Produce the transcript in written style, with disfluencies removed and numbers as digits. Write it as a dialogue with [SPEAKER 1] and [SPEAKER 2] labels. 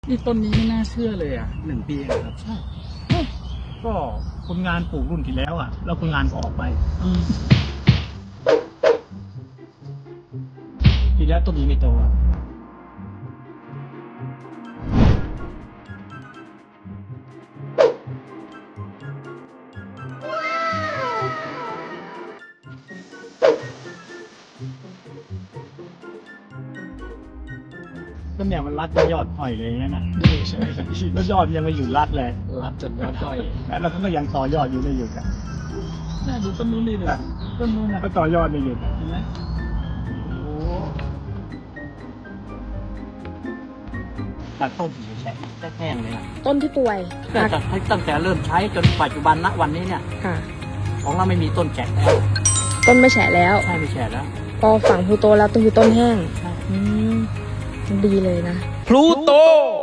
[SPEAKER 1] นี่ต้นนี้ไม่น่าเชื่อเลยอ่ะ1 ปีเองครับใช่
[SPEAKER 2] ก็คนงานปลูกรุ่นที่แล้วอ่ะแล้วคนงานก็ออกไปทีแล้วต้นนี้ไม่โตต้นเนี่ยมันรัดยอดห้อยเลยนะ
[SPEAKER 1] ใช่ไหมครับ
[SPEAKER 2] แล้วยอดยังไม่อยู่รัดเลย
[SPEAKER 1] รับจนยอดด้อย
[SPEAKER 2] แล้วก็ยังต่อยอดอยู่ไม่หยุดอ่ะ
[SPEAKER 1] น่าดูต้นนู้นนี่เลยต้นนู้นนะ
[SPEAKER 2] ก็ต่อยอดไม่หยุด
[SPEAKER 1] เห็นไหมโอ้
[SPEAKER 2] ตัดต้นแฉะแห้งเลย
[SPEAKER 3] ต้นที่ป่วย
[SPEAKER 2] ตั้งแต่เริ่มใช้จนปัจจุบันณวันนี้เนี่ย
[SPEAKER 3] ค่ะ
[SPEAKER 2] ของเราไม่มีต้นแฉะแล้ว
[SPEAKER 3] ต้นไม่แฉะแล้ว
[SPEAKER 2] ใช่ไม่แฉะแล้ว
[SPEAKER 3] พอฝั่งพลูโตแล้วต้นคือต้นแห้ง
[SPEAKER 2] ใช่
[SPEAKER 3] ดีเลยนะ
[SPEAKER 1] พลูโต